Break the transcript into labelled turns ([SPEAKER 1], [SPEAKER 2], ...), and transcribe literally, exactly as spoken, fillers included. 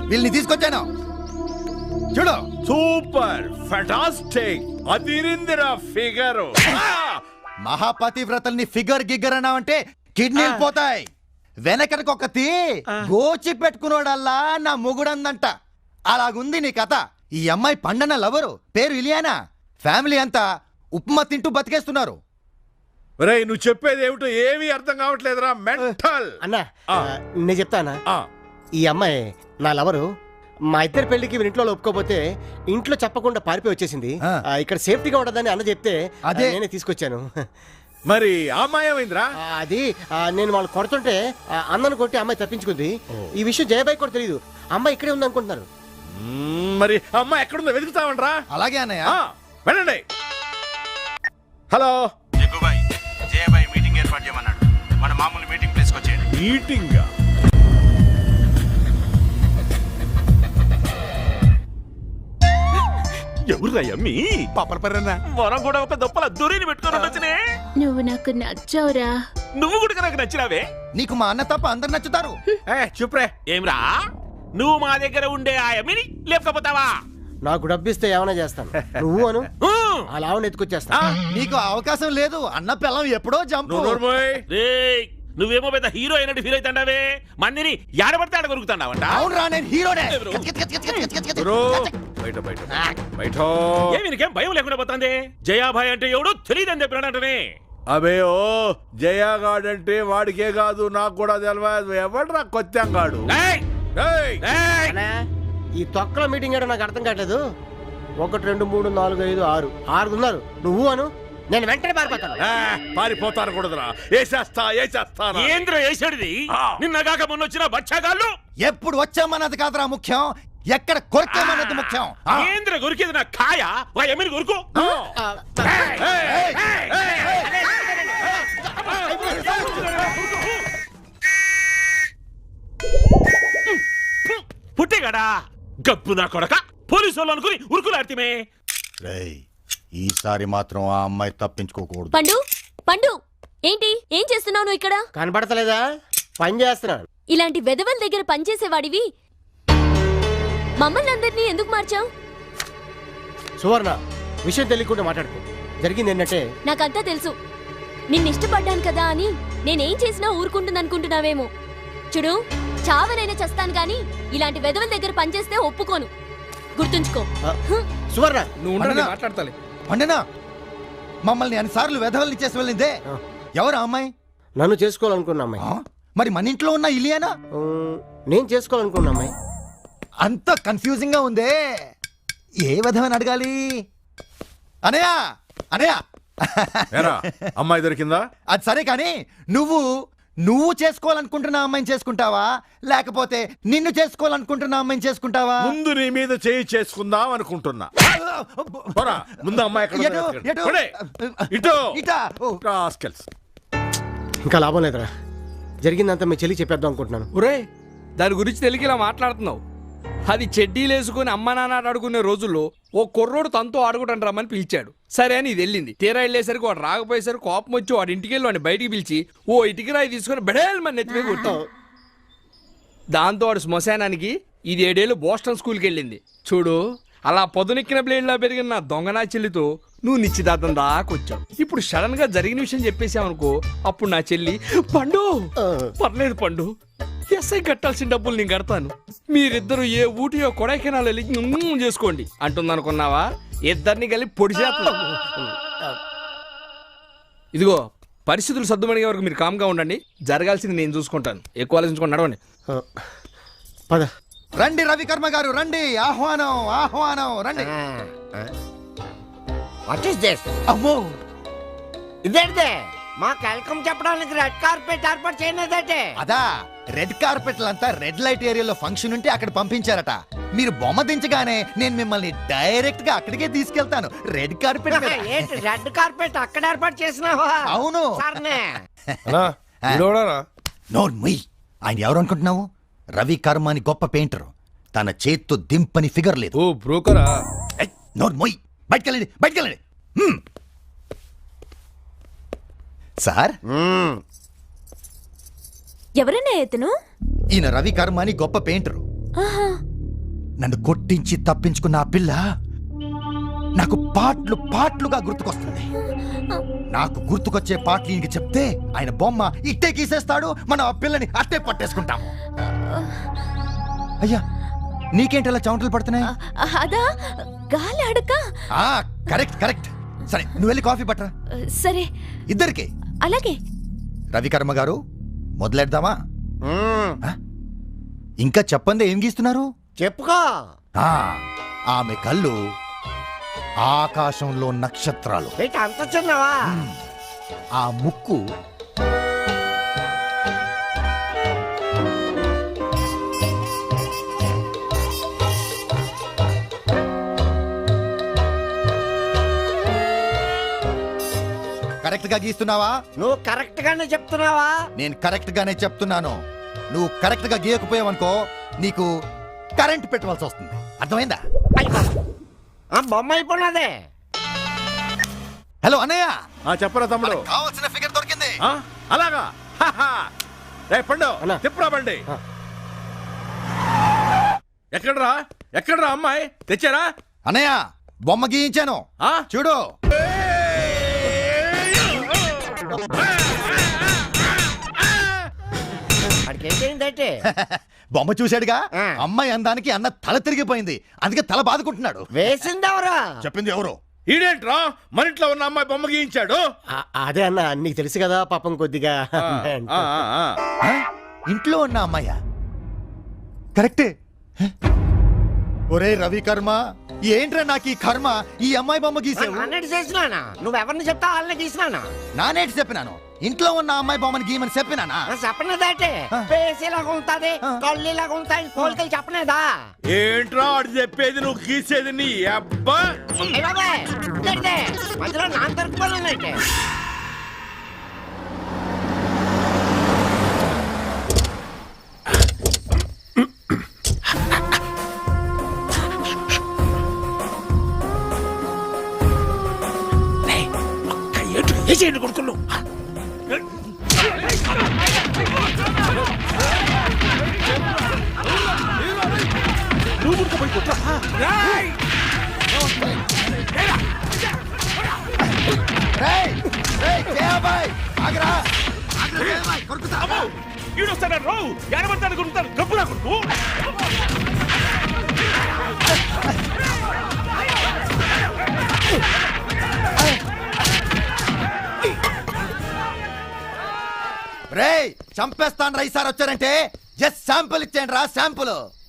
[SPEAKER 1] వీళ్ళని తీసుకొచ్చాను చూడు.
[SPEAKER 2] సూపర్ ఫెంటాస్టిక్ అదిరిందిరా ఫిగర్.
[SPEAKER 1] మహాపతివ్రతల్ని ఫిగర్ గిగ్గర్ అన్నావంటే కిడ్నీలు పోతాయి. వెనకటికొకతి గోచి పెట్టుకున్నాడల్లా నా మొగుడందంట. అలాగుంది నీ కథ. ఈ అమ్మాయి పండన లవరు, పేరు ఇలియానా. ఫ్యామిలీ అంతా ఉప్మా తింటూ బతికేస్తున్నారు.
[SPEAKER 2] రేయ్ నువ్వు చెప్పేది ఏమిటో ఏమీ అర్థం కావట్లేదురా మెంటల్.
[SPEAKER 3] అన్నా నేను చెప్తానా, ఈ అమ్మాయి నా లవరు. మా ఇద్దరి పెళ్లికి ఇంట్లో ఒప్పుకోపోతే ఇంట్లో చెప్పకుండా పారిపోయి వచ్చేసింది. ఇక్కడ సేఫ్టీగా ఉండదని అన్న చెప్తే అదే నేనే తీసుకొచ్చాను.
[SPEAKER 2] మరి ఆ అమ్మాయి ఏమైందిరా?
[SPEAKER 3] అది నేను వాళ్ళు కొడుతుంటే అన్నను కొట్టి అమ్మాయి తప్పించుకుంది. ఈ విషయం జయబాయి కూడా తెలియదు. అమ్మాయి ఇక్కడే ఉంది అనుకుంటున్నారు.
[SPEAKER 2] మరి అమ్మాయి ఎక్కడుందో వెతుకుతామంటరా?
[SPEAKER 1] అలాగే అన్నయ్య,
[SPEAKER 2] వెళ్ళండి. హలో
[SPEAKER 4] జగ్గుబాయ్, జయబాయ్ మీటింగ్ ఏర్పాటు చేయమన్నాడు. మన మామూలు మీటింగ్ ప్లేస్కి వచ్చేయండి.
[SPEAKER 2] మీటింగ్?
[SPEAKER 4] ఎవరు యమ్మి?
[SPEAKER 2] పాపలపర్రన్నా
[SPEAKER 4] మనం కూడా ఒక దొప్పల దూరిని పెట్టుకొని ఉండొచ్చునే.
[SPEAKER 5] నువ్వు నాకు నచ్చావురా.
[SPEAKER 4] నువ్వు కూడా నాకు నచ్చినావే.
[SPEAKER 1] నీకు మా అన్న తప్ప అందరు నచ్చుతారు.
[SPEAKER 2] చూప్రే.
[SPEAKER 4] ఏమ్రా నువ్వు మా దగ్గర ఉండే ఆ యమ్మిని లేకపోతావా?
[SPEAKER 3] నాకు డబ్బిస్తే ఏమైనా చేస్తాను. నువ్వు అను అలా ఎత్తుకొచ్చేస్తా.
[SPEAKER 1] నీకు అవకాశం లేదు. అన్న పిల్లం ఎప్పుడో జంపు.
[SPEAKER 4] నువ్వేమో పెద్ద హీరో అయినట్టు ఫీల్ అవుతాండావే. మందిని యాడబడితే ఆడ కొరుకుతాండావంట.
[SPEAKER 1] అవునరా, నేను హీరోనే.
[SPEAKER 2] బయట బయట బయట
[SPEAKER 4] ఏమి నీకేం భయం లేకుండా పోతుంది? జయాభాయ్ అంటే ఎవడు తెలియదని చెప్పినాడంటనే.
[SPEAKER 2] అబే ఓ జయాగాడంటే వాడికే కాదు నాకు కూడా తెలియదు. ఎవడరా కొత్తంగాడు?
[SPEAKER 3] ఈ తొక్కల మీటింగ్ ఏడో నాకు అర్థం కావట్లేదు. ఒకటి రెండు మూడు నాలుగు ఐదు ఆరు ఆరు ఉన్నారు. నువ్వు అను, నేను వెంటనే పారిపోతాను.
[SPEAKER 2] పారిపోతాను కూడదురా. ఏసేస్తా ఏసేస్తా.
[SPEAKER 4] ఏంద్ర వేసాడిది? నిన్నగాక మొన్న వచ్చిన బచ్చాగాళ్ళు.
[SPEAKER 1] ఎప్పుడు వచ్చామన్నది కాదురా ముఖ్యం, ఎక్కడ కొరకేమన్నది ముఖ్యం.
[SPEAKER 4] ఏంద్ర కొరికేది నా కాయ. వా ఎమ్మిని కొరుకు. పుట్టేగాడా గప్పు నా కొడక. పోలీసు వాళ్ళు అనుకుని ఉరుకులాడితే.
[SPEAKER 1] ఈసారి మాత్రం ఆ అమ్మాయి తప్పించుకోకూడదు.
[SPEAKER 5] పండు పండు ఏంటి ఏం చేస్తున్నావు నువ్వు ఇక్కడ?
[SPEAKER 3] కనబడతలేదా? పని చేస్తున్నాను.
[SPEAKER 5] ఇలాంటి వెధవల దగ్గర పనిచేసేవాడివి మమ్మల్ని అందరినీ ఎందుకు మార్చావు?
[SPEAKER 3] సువర్ణ, విషయం తెలియకుండా మాట్లాడుకో. జరిగింది ఏంటంటే
[SPEAKER 5] నాకంతా తెలుసు. నిన్ను ఇష్టపడ్డాను కదా అని నేనేం చేసినా ఊరుకుంటుంది అనుకుంటున్నావేమో. చూడు, చావనైనా చస్తాను కానీ ఇలాంటి వెధవల దగ్గర పనిచేస్తే ఒప్పుకోను. గుర్తుంచుకో.
[SPEAKER 3] సువర్ణ,
[SPEAKER 1] నువ్వు మాట్లాడతాలి. పండనా, మమ్మల్ని అన్నిసార్లు వెధవల్ని చేసి వెళ్ళిందే ఎవరు అమ్మాయి?
[SPEAKER 3] నన్ను చేసుకోవాలనుకున్న అమ్మాయి.
[SPEAKER 1] మరి మన ఇంట్లో ఉన్న ఇలియానా?
[SPEAKER 3] నేను చేసుకోవాలనుకున్న అమ్మాయి.
[SPEAKER 1] అంత కన్ఫ్యూజింగ్ గా ఉందే. ఏ విధమని అడగాలి? అనయా అనయా
[SPEAKER 2] అమ్మాయి దొరికిందా?
[SPEAKER 1] అది సరే కానీ నువ్వు నువ్వు చేసుకోవాలనుకుంటున్న అమ్మాయిని చేసుకుంటావా, లేకపోతే నిన్ను చేసుకోవాలనుకుంటున్న అమ్మాయిని చేసుకుంటావా?
[SPEAKER 2] ముందు నీ మీద చేయి చేసుకుందాం అనుకుంటున్నా. ముందు అమ్మాయి
[SPEAKER 3] ఇంకా లాభం లేదురా. జరిగిందంతా మీ చెల్లి చెప్పేద్దాం అనుకుంటున్నాను.
[SPEAKER 6] ఒరే, దాని గురించి తెలిసి ఇలా మాట్లాడుతున్నావు. అది చెడ్డీలు వేసుకుని అమ్మ నాన్న అడుగునే రోజుల్లో ఓ కుర్రోడు తనతో ఆడుకుంటాను రమ్మని పిలిచాడు. సరే అని ఇది వెళ్ళింది. తీరా వెళ్ళేసరికి వాడు రాకపోయేసరికి కోపం వచ్చి వాడి ఇంటికి వెళ్ళి వాడిని బయటికి పిలిచి ఓ ఇటుకి రాయి తీసుకుని బెడేల్ మన నెత్తిమే కొట్టావు. దాంతో వాడు శ్మశానానికి ఇది ఏడేళ్ళు బోస్టన్ స్కూల్కి వెళ్ళింది. చూడు, అలా పొదనెక్కిన బ్లేడ్లా పెరిగిన నా దొంగనా చెల్లితో నువ్వు నిశ్చితార్థం దాకొచ్చావు. ఇప్పుడు సడన్ గా జరిగిన విషయం చెప్పేసావనుకో, అప్పుడు నా చెల్లి పండు పర్లేదు పండు, ఎస్ఐ కట్టాల్సిన డబ్బులు నేను కడతాను, మీరిద్దరు ఏ ఊటియో కొడైకెనాల్ వెళ్ళి చేసుకోండి అంటుందనుకున్నావా? ఇద్దరిని కలిపి పొడి చేస్తా. ఇదిగో, పరిస్థితులు సర్దుమణిగే వరకు మీరు కామ్గా ఉండండి. జరగాల్సింది నేను చూసుకుంటాను. ఎక్కువ ఆలోచించుకొని నడవండి.
[SPEAKER 3] పద.
[SPEAKER 1] రండి రవికర్మ గారు, రండి. ఆహ్వానం ఆహ్వానం, రండి.
[SPEAKER 7] What is this?
[SPEAKER 1] అమ్మో,
[SPEAKER 7] ఇదేంటే మాకు వెల్కమ్ చెప్పడానికి రెడ్ కార్పెట్ ఏర్పాటు చేయలేదంటే?
[SPEAKER 1] అదా, రెడ్ కార్పెట్ అంతా రెడ్ లైట్ ఏరియాలో ఫంక్షన్ ఉంటే అక్కడ పంపించారట. మీరు బొమ్మ దించగానే నేను మిమ్మల్ని డైరెక్ట్ గా అక్కడికే తీసుకెళ్తాను. Red carpet.
[SPEAKER 7] రెడ్ కార్పెట్ అక్కడ ఏర్పాటు చేసినావా?
[SPEAKER 1] అవును.
[SPEAKER 2] నోర్
[SPEAKER 1] ముయ్. ఆయన ఎవరు అనుకుంటున్నావు? రవి కర్మ అని గొప్ప పెయింటర్. తన చేత్తో దింపని ఫిగర్ లేదు.
[SPEAKER 6] ఓ బ్రోకరా?
[SPEAKER 1] నోర్ మొయ్. బయటకెళ్ళండి, బయటకెళ్ళండి. సార్,
[SPEAKER 5] ఎవరన్నా ఎతను?
[SPEAKER 1] ఈయన రవి కర్మ అని గొప్ప పెయింటరు. నన్ను కొట్టించి తప్పించుకున్న ఆ పిల్ల నాకు పాటలు పాటలుగా గుర్తుకొస్తుంది. నాకు గుర్తుకొచ్చే పాటలు ఈయనకి చెప్తే ఆయన బొమ్మ ఇట్టే గీసేస్తాడు, మనం ఆ పిల్లని అట్టే పట్టేసుకుంటాము. అయ్యా నీకేంటి అలా చౌంటలు పడుతున్నాయి?
[SPEAKER 5] అదా గాలి అడక.
[SPEAKER 1] ఆ కరెక్ట్ కరెక్ట్. సరే నువ్వు వెళ్ళి కాఫీ పట్టరా.
[SPEAKER 5] సరే
[SPEAKER 1] ఇద్దరికి.
[SPEAKER 5] అలాగే.
[SPEAKER 1] రవికర్మ గారు మొదలెడదామా?
[SPEAKER 3] మ్మ్.
[SPEAKER 1] ఆ? ఇంకా చెప్పండి, ఏం గీస్తున్నారు?
[SPEAKER 3] చెప్పుకో.
[SPEAKER 1] ఆ ఆమె కళ్ళు ఆకాశంలో నక్షత్రాలు.
[SPEAKER 3] ఏంటి అంత చిన్నవా?
[SPEAKER 1] ఆ ముక్కు కరెక్ట్ గా గీస్తున్నావా?
[SPEAKER 3] నువ్వు కరెక్ట్ గానే చెప్తున్నావా?
[SPEAKER 1] నేను కరెక్ట్ గానే చెప్తున్నాను. నువ్వు కరెక్ట్ గా గీయకపోయావనుకో నీకు కరెంట్ పెట్టవలసి వస్తుంది. అర్థమైందా?
[SPEAKER 3] ఆ బొమ్మ అయిపోయినదే.
[SPEAKER 1] హలో అన్నయ్య,
[SPEAKER 2] ఆ చెప్పరా తమ్ముడు.
[SPEAKER 1] మనకు కావాల్సిన ఫిగర్ దొరికింది.
[SPEAKER 2] ఆ, అలాగా హాహా. రే పండు
[SPEAKER 3] అన్నా.
[SPEAKER 2] తిప్పురా బండి.
[SPEAKER 3] ఆ.
[SPEAKER 2] ఎక్కడ్రా ఎక్కడ్రా అమ్మాయి తెచ్చారా?
[SPEAKER 1] అన్నయ్య బొమ్మ గీయించాను
[SPEAKER 2] ఆ?
[SPEAKER 1] చూడు.
[SPEAKER 3] వాడికి ఏంటంటే
[SPEAKER 1] బొమ్మ చూశాడుగా,
[SPEAKER 3] ఆ.
[SPEAKER 1] అమ్మాయి అందానికి అన్న తల తిరిగిపోయింది, అందుకే తల బాదుకుంటున్నాడు.
[SPEAKER 3] వేసిందెవరా?
[SPEAKER 1] చెప్పింది ఎవరు?
[SPEAKER 2] ఈడేంట్రా మన ఇంట్లో ఉన్న అమ్మాయి బొమ్మ గీయించాడు?
[SPEAKER 3] అదే అన్న, నీకు తెలుసు కదా పాపం కొద్దిగా.
[SPEAKER 2] ఆ, ఆ, ఆ, ఆ.
[SPEAKER 1] ఆ? ఇంట్లో ఉన్న అమ్మాయ కరెక్టే. హ? ఒరే రవి కర్మ, ఏంట్రా నాకు ఈ కర్మ, ఈ అమ్మాయి బొమ్మ గీసావు.
[SPEAKER 3] అన్నట్టు చేసినానా? నువ్వెవరిని చెప్తా వాళ్ళని గీసినానా?
[SPEAKER 1] నానేటి చెప్పినాను, ఇంట్లో ఉన్న అమ్మాయి బొమ్మని గీయమని చెప్పినానా?
[SPEAKER 3] చెప్పనేదంటే
[SPEAKER 1] ఆ.
[SPEAKER 3] పేసేలాగా ఉంటది,
[SPEAKER 1] ఆ.
[SPEAKER 3] కళ్ళులాగా ఉంటాయి, కోరికలు చెప్పనేదా?
[SPEAKER 2] ఏంట్రా ఆడు చెప్పేది నువ్వు గీసేది నీ అబ్బా.
[SPEAKER 3] ఏ బాబాయ్, ఇదేంటిది? మధ్యలో నాన్న దొరుకుకోవాలంటే
[SPEAKER 4] కొడుకులు నువ్వు గుర్తుపోయి కొట్రా.
[SPEAKER 1] రేయ్, రేయ్, జయాబాయ్, ఆగ్రా. ఆగ్రా, జయాబాయ్, కొరుకుతా.
[SPEAKER 4] ఈడొస్తాడు రావు ఎనబడతాడు కొడుతాడు గబ్బురా కొడుకు.
[SPEAKER 1] రేయ్ చంపేస్తాను రా ఈసారి వచ్చారంటే. జస్ట్ శాంపుల్ ఇచ్చేయండి రా, శాంపుల్.